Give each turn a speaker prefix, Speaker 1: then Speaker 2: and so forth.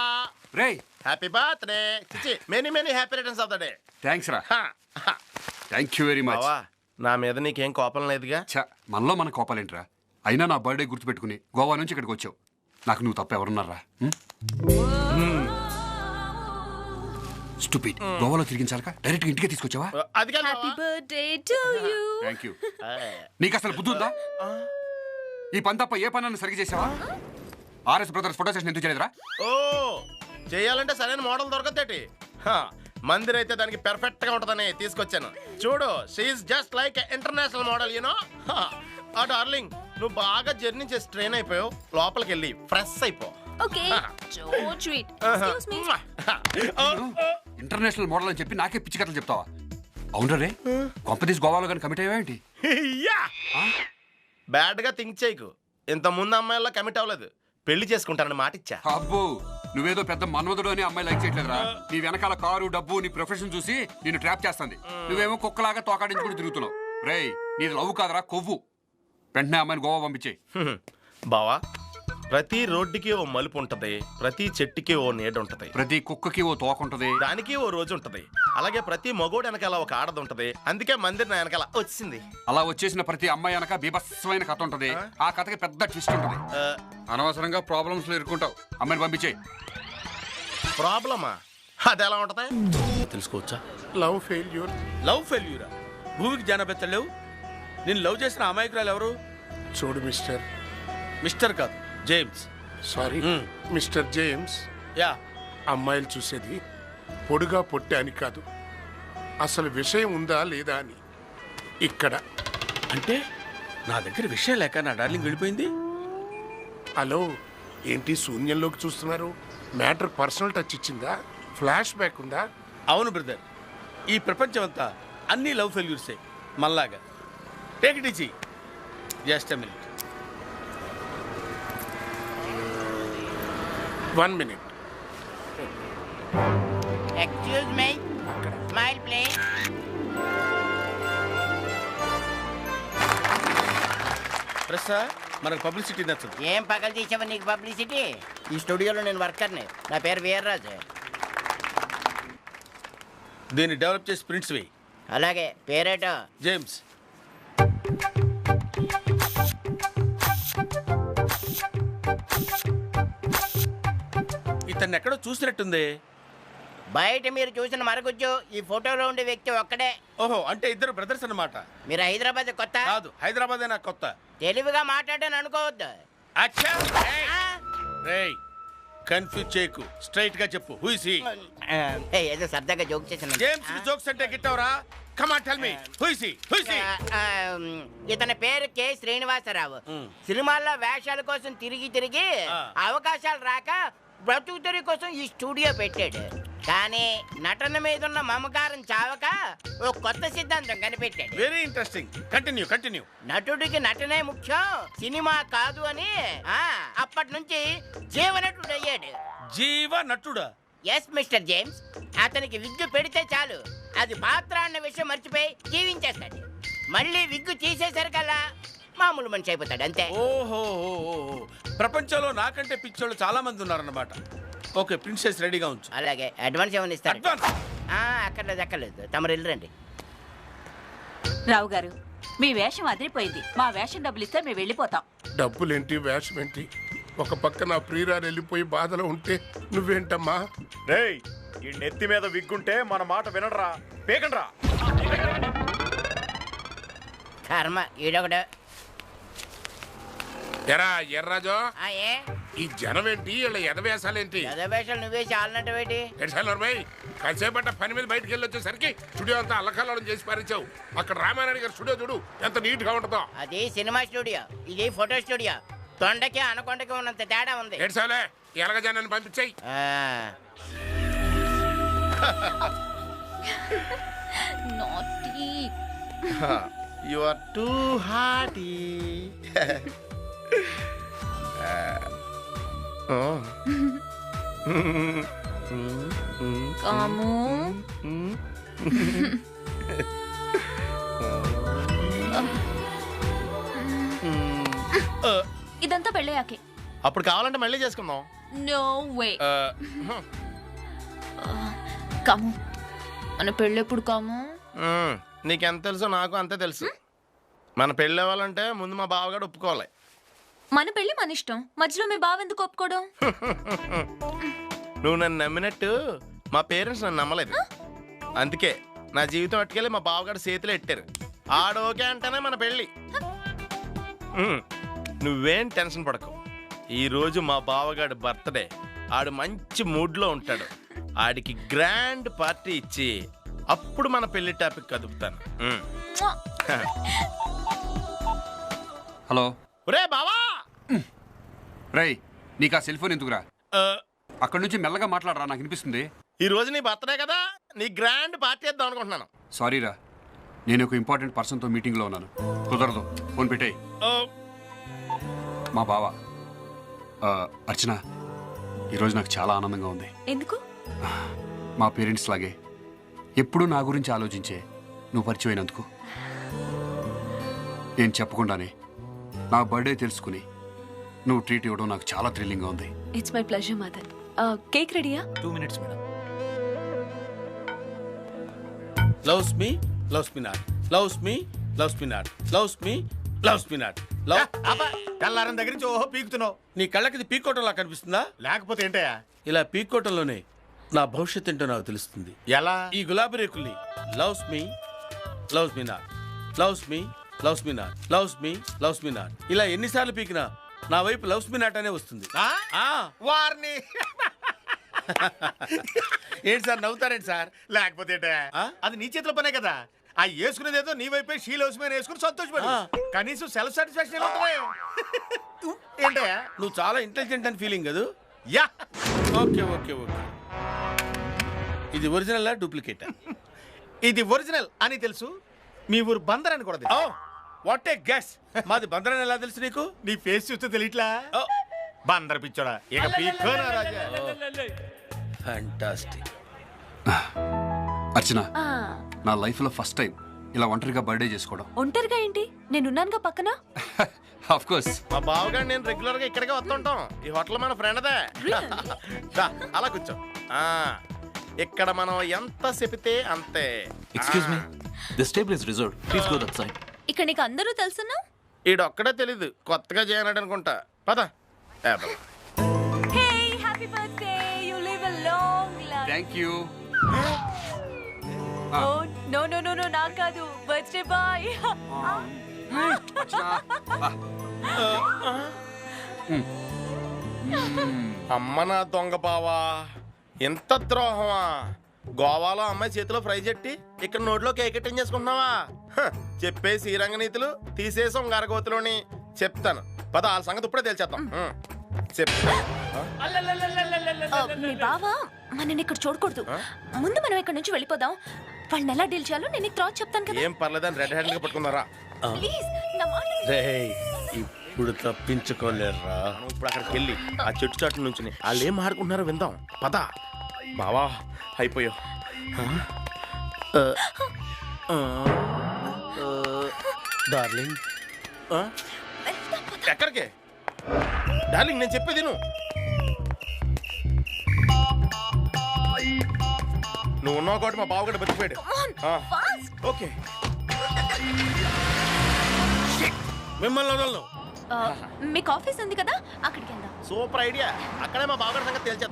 Speaker 1: రేయ్
Speaker 2: happy birthday many many happy returns of the day.
Speaker 1: Thanks రా. Thank you very much.
Speaker 2: బావా నా మీద నీకేం కోపం లేదుగా?
Speaker 1: మనలో మన కోపాలేంట్రా? అయినా నా బర్త్డే గుర్తుపెట్టుకుని గోవా నుంచి ఇక్కడికి వచ్చావు. నాకు నువ్వు తప్ప ఎవరున్నారా? స్టూపిడ్. గోవాలో తిరిగించాలక డైరెక్ట్ ఇంటికే తీసుకొచ్చావా?
Speaker 2: అది కాదు
Speaker 3: happy birthday to you.
Speaker 1: Thank you. నీకు అసలు బుద్ధి ఉందా? ఈ పని తప్ప ఏ పని సరిగ్గా చేసావా? ఆర్ఎస్ బ్రదర్స్ ఫోటో సెషన్ ఎందుకు చేయలేదురా?
Speaker 2: ఓ చేయాలంటే సరైన మోడల్ దొరకదేటి. మందిర్ అయితే దానికి పెర్ఫెక్ట్ గా ఉంటదని తీసుకొచ్చాను. చూడు she is just like international model you know. ఆ డార్లింగ్ నువ్వు బాగా జర్నీ చేసి ట్రైన్ అయిపోయావు. లోపలికి వెళ్ళి ఫ్రెష్ అయిపో.
Speaker 3: Okay so sweet. Excuse me.
Speaker 1: International model అని చెప్పి నాకే పిచ్చి కథలు చెప్తావా? అవునరా రే, కొంపతీస్ గోవాలో కానీ కమిట్ అయ్యావేంటి?
Speaker 2: బ్యాడ్ గా థింక్ చేయకు. ఇంత ముందు అమ్మాయిల్లో కమిట్ అవ్వలేదు. పెళ్లి చేసుకుంటానని మాట ఇచ్చా.
Speaker 1: అబ్బో నువ్వేదో పెద్ద మన్మధుడు అని అమ్మాయి లైక్ చేయట్లేదురా. నీ వెనకాల కారు డబ్బు నీ ప్రొఫెషన్ చూసి నిన్ను ట్రాప్ చేస్తుంది. నువ్వేమో కుక్కలాగా తోకాడించుకుని తిరుగుతున్నావు. రేయ్ నీది లవ్ కాదరా కొవ్వు. వెంటనే అమ్మాయిని గోవా పంపించేయి.
Speaker 2: బావా ప్రతి రోడ్డుకి ఓ మలుపు ఉంటది, ప్రతి చెట్టుకి ఓ నీడ ఉంటది,
Speaker 1: ప్రతి కుక్కకి ఓ తోక ఉంటది,
Speaker 2: దానికి ఓ రోజు ఉంటది. అలాగే ప్రతి మగోడు వెనకాల ఒక ఆడది ఉంటది. అందుకే మందిర్ నా వెనకాల వచ్చింది.
Speaker 1: అలా వచ్చేసిన ప్రతి అమ్మాయి వెనక బీభత్సమైన కథ ఉంటది. ఆ కథకి పెద్ద ట్విస్ట్ ఉంటది. అనవసరంగా ప్రాబ్లమ్స్ లో ఇరుక్కుంటావు. అమ్మాయిని పంపించేయి.
Speaker 2: ప్రాబ్లమా? అది ఎలా ఉంటది
Speaker 4: తెలుసుకోవచ్చా?
Speaker 5: Love failure.
Speaker 4: లవ్ ఫెయిల్యూరా? భూమికి జానబెత్తలేవు. నేను లవ్ చేసిన అమాయకురాలు ఎవరు?
Speaker 5: చూడు మిస్టర్.
Speaker 4: మిస్టర్ కాదు, James.
Speaker 5: Sorry mister James.
Speaker 4: Yeah.
Speaker 5: అమ్మాయిలు చూసేది పొడుగా పొట్టే అని కాదు, అసలు విషయం ఉందా లేదా అని. ఇక్కడ
Speaker 4: అంటే నా దగ్గర విషయం లేక నా డార్లింగ్ వెళ్ళిపోయింది.
Speaker 5: హలో ఏంటి శూన్యంలోకి చూస్తున్నారు? మ్యాటర్ పర్సనల్ టచ్ ఇచ్చిందా? ఫ్లాష్ బ్యాక్ ఉందా?
Speaker 4: అవును బ్రదర్, ఈ ప్రపంచం అంతా అన్ని లవ్ ఫెయిల్యూర్సే మళ్ళాగా. Take it easy. Just a minute.
Speaker 5: 1 minute.
Speaker 6: Excuse me. Smile, please.
Speaker 4: ప్రసా మనకు పబ్లిసిటీ నచ్చదు.
Speaker 6: ఏం పగలు తీసావా నీకు పబ్లిసిటీ? ఈ స్టూడియోలో నేను వర్కర్ని. నా పేరు వీర్రాజు.
Speaker 4: దీన్ని డెవలప్ చేసి ప్రింట్స్ వేయి.
Speaker 6: అలాగే పేరేటో?
Speaker 4: జేమ్స్. ఇతన్ని ఎక్కడో చూసినట్టుంది.
Speaker 6: బయట మీరు చూసిన మరుగుజ్జు ఈ ఫోటోలో ఉండే వ్యక్తి ఒక్కడే.
Speaker 4: ఓహో, అంటే ఇద్దరు బ్రదర్స్ అన్నమాట.
Speaker 6: మీరు హైదరాబాద్ కొత్త?
Speaker 4: కాదు, హైదరాబాద్ నాకు కొత్త.
Speaker 6: తెలివిగా మాట్లాడాను అనుకోవద్దు.
Speaker 4: అచ్చా రేయ్, కన్ఫ్యూజ్ చేయకు, స్ట్రైట్ గా చెప్పు. Who is he?
Speaker 6: ఏదో సరదాగా జోక్ చేశాను.
Speaker 4: జేమ్స్ జోక్స్ అంటే గిట్టవరా? Come on tell me, who is he? Who is he?
Speaker 6: ఇతని పేరు కె శ్రీనివాసరావు. సినిమాల్లో వేషాల కోసం తిరిగి తిరిగి అవకాశాలు రాక బ్రతుకుతరి కోసం ఈ స్టూడియో పెట్టాడు. కానీ నటన మీద ఉన్న మమకారం చావక ఓ కొత్త సిద్ధాంతం కనిపెట్టాడు.
Speaker 4: Very interesting. Continue continue.
Speaker 6: నటుడికి నటనే ముఖ్యం, సినిమా కాదు అని అప్పటి నుంచి జీవనటుడు అయ్యాడు.
Speaker 4: జీవ నటుడా?
Speaker 6: Yes mister James. అతనికి విగ్గు పెడితే చాలు, అది పాత్ర అన్న విషయం మర్చిపోయి జీవించేస్తాడు. మళ్ళీ విగ్గు తీసేసరికల్లా మామూలు మనిషి అయిపోతాడు, అంతే.
Speaker 4: ఓహో, ప్రపంచంలో నాకంటే పిచ్చోళ్ళు చాలా మంది ఉన్నారన్నమాట. ఓకే, ప్రిన్సెస్ రెడీగా ఉంచు.
Speaker 6: అలాగే. అడ్వాన్స్ ఏమైనా ఇస్తారు?
Speaker 4: అడ్వాన్స్?
Speaker 6: అక్కర్లేదు. తమరు వెళ్ళరండి.
Speaker 7: రావు గారు, మీ వేషం అదిరిపోయింది. మా వేషం డబ్బులు ఇస్తే మేము వెళ్ళిపోతాం.
Speaker 5: డబ్బులేంటి వేషం ఏంటి? ఒక పక్క నా ప్రియురాలు వెళ్ళిపోయి బాధలో ఉంటే నువ్వేంటమ్మా?
Speaker 8: రేయ్, ఈ నెత్తి మీద విగ్గుంటే మన మాట వినడరా, పేకండ్రా.
Speaker 6: కర్మ ఈడొకడు.
Speaker 5: ఎరా ఎర్రాజో,
Speaker 6: ఏ
Speaker 5: ఈ జనం ఏంటి? వీళ్ళ ఎదవేశాలేంటి?
Speaker 6: వేషాలు నువ్వే చాలనట్టేటి?
Speaker 5: కాసేపట్ట పని మీద బయటకు వెళ్ళి వచ్చేసరికి స్టూడియో అంతా అల్లకల్లోలం చేసి పారించావు. అక్కడ రామారాయణ గారి స్టూడియో చూడు ఎంత నీట్ గా ఉంటుందో.
Speaker 6: అది సినిమా స్టూడియో, ఇది ఫోటో స్టూడియో. తొండకి అనకొండకి ఉన్నంత తేడా ఉంది.
Speaker 5: ఏడ్చాలే, ఎలాగ జనాన్ని పంపించాయి.
Speaker 2: You are too hearty.
Speaker 3: కాము ఇదంతా పెళ్ళయ్యాకే.
Speaker 2: అప్పుడు కావాలంటే మళ్ళీ చేసుకుందాం.
Speaker 3: No way.
Speaker 2: uh,
Speaker 3: కమ్ మన పెళ్ళెప్పుడు కాము?
Speaker 2: నీకెంత తెలుసో నాకు అంతే తెలుసు. మన పెళ్ళి అవ్వాలంటే ముందు మా బావగాడు ఒప్పుకోవాలి.
Speaker 3: మన పెళ్ళి మన ఇష్టం, మధ్యలో మీ బావ ఎందుకు ఒప్పుకోవడం?
Speaker 2: నువ్వు నన్ను నమ్మినట్టు మా పేరెంట్స్ నన్ను నమ్మలేదు. అందుకే నా జీవితం అట్టుకెళ్ళి మా బావగాడు చేతిలో ఎట్టారు. ఆడోకే అంటేనే మన పెళ్ళి. నువ్వేం టెన్షన్ పడకు. ఈరోజు మా బావగాడు బర్త్డే. ఆడు మంచి మూడ్లో ఉంటాడు. ఆడికి గ్రాండ్ పార్టీ ఇచ్చి అప్పుడు మన పెళ్లి టాపిక్ కదుపుతాను.
Speaker 1: హలో
Speaker 2: ఒరే బావా,
Speaker 1: రేయ్, నీకు ఆ సెల్ ఫోన్ ఎందుకురా? అక్కడి నుంచి మెల్లగా మాట్లాడరా, నాకు వినిపిస్తుంది.
Speaker 2: ఈ రోజు నీ బర్త్డే కదా, నీ గ్రాండ్ పార్టీ ఇద్దాం అనుకుంటున్నాను.
Speaker 1: సారీరా, నేను ఒక ఇంపార్టెంట్ పర్సన్తో మీటింగ్లో ఉన్నాను. కుదరదు, ఫోన్ పెట్టేయ్. మా బావ అర్చన, ఈరోజు నాకు చాలా ఆనందంగా ఉంది.
Speaker 3: ఎందుకు?
Speaker 1: మా పేరెంట్స్ లాగే ఎప్పుడూ నా గురించి ఆలోచించే నువ్వు పరిచయం అయినందుకు. నేను చెప్పకుండానే నా బర్త్డే తెలుసుకుని నువ్వు ట్రీట్ ఇవ్వడం నాకు చాలా థ్రిల్లింగ్గా ఉంది.
Speaker 3: It's my pleasure Madan. Cake రెడీయా?
Speaker 8: 2 minutes, madam.
Speaker 4: Loves me, loves me not. Loves me, loves me not. Loves me, loves me not.
Speaker 8: తెల్లారం దగ్గర నుంచి ఓహో పీకుతున్నావు.
Speaker 4: నీ కళ్ళకి ఇది పీకోవటంలా కనిపిస్తుందా?
Speaker 8: లేకపోతే ఏంటయ్యా?
Speaker 4: ఇలా పీకోవటంలోనే నా భవిష్యత్ ఏంటో నాకు తెలుస్తుంది.
Speaker 8: ఎలా?
Speaker 4: ఈ గులాబీ రేకుల్ని loves me, loves me not, loves me, loves me not, loves me, loves me not, ఇలా ఎన్నిసార్లు పీకినా నా వైపు లవ్స్ మీ నాట్ అనే వస్తుంది.
Speaker 8: వారిని
Speaker 4: ఏంటి సార్ నవ్వుతారేంటి సార్?
Speaker 8: లేకపోతే ఏంటయ్యా? అది నీ చేతిలో పనే కదా. ఆ వేసుకునేదేదో నీ వైపే షీల్ హౌస్ మీద వేసుకుని సంతోషపడు. కనీసం సెల్ఫ్ సాటిస్ఫాక్షన్ ఏంటయ్యా?
Speaker 4: నువ్వు చాలా ఇంటెలిజెంట్ అని ఫీలింగ్ కదా?
Speaker 8: Yeah,
Speaker 4: okay okay okay. ఇది ఒరిజినల్ డూప్లికేట్?
Speaker 8: ఇది ఒరిజినల్ అని తెలుసు. మీ ఊరు బందర్ అని కూడా తెలుసు.
Speaker 4: What a guess. మాది బందర్ అని ఎలా తెలుసు నీకు?
Speaker 8: నీ ఫేస్ చూస్తే తెలియట్లా? బందర్ పిచ్చోడా, ఇక పీక్కోనా రాజా.
Speaker 4: ఫ్యాంటాస్టిక్.
Speaker 1: అర్చన, నా లైఫ్లో ఫస్ట్ టైం ఇలా ఒంటరిగా బర్త్డే చేసుకోవడం.
Speaker 3: ఒంటరిగా ఏంటి? నేనున్నానుగా పక్కన.
Speaker 1: Of course.
Speaker 2: మా బావగాడు నేను రెగ్యులర్ గా ఇక్కడికే వస్తుంటాం. ఈ హోటల్ మన ఫ్రెండ్దే. అలా కూర్చో. ఇక్కడ మనం ఎంత చెపితే అంతే.
Speaker 9: Excuse me. This table is reserved. Please go that side.
Speaker 3: ఇక్కడ నీకు అందరూ తెలుసున్నా?
Speaker 2: ఈడొక్కడే తెలీదు, కొత్తగా చేయనాడు అనుకుంటా. పద.
Speaker 3: Hey, happy birthday. You live a long life.
Speaker 1: Thank you.
Speaker 3: Oh no no no no, నా కాదు, బర్త్డే బాయ్.
Speaker 2: అమ్మ నా దొంగ బావా, ఎంత ద్రోహమా! గోవాలో అమ్మాయి చేతిలో ఫ్రై చెట్టి ఇక్కడ నోట్లో కేక్ కటింగ్ చేసుకుంటున్నావా? చెప్పే శ్రీరంగ నీతులు తీసేసాం గరగోతులోని. చెప్తాను పద, వాళ్ళ సంగతి ఇప్పుడే తెలిచేద్దాం. చెప్తా.
Speaker 3: మీ బావ మనని ఇక్కడ చూడకూడదు. ముందు మనం ఇక్కడ నుంచి వెళ్ళిపోదాం. వాళ్ళని ఎలా డీల్ చేయాలో నేను నీకు తర్వాత చెప్తాను కదా.
Speaker 2: ఏం పర్లేదని రెడ్ హ్యాండ్ గా పట్టుకున్నారా?
Speaker 3: ప్లీజ్ నా మాట విను.
Speaker 4: రేయ్, ఇప్పుడు తప్పించుకోలేరా.
Speaker 2: ఇప్పుడు అక్కడికి వెళ్ళి ఆ చెట్టు చాటు నుంచి వాళ్ళు ఏం ఆడుకుంటున్నారో విందాం. పద బావా, అయిపోయావు.
Speaker 4: డార్లింగ్,
Speaker 2: ఎక్కడికే డార్లింగ్? నేను చెప్పేది నువ్వు ఉన్నావు కాబట్టి మా బావగడ బతికిపోయాడు. ఓకే,
Speaker 4: మిమ్మల్ని వదలను.
Speaker 3: మీకు ఆఫీస్ ఉంది కదా, అక్కడికి వెళ్దాం.
Speaker 2: Super idea. అక్కడే మా బావగడ సంగతి తెలిచేద్దాం.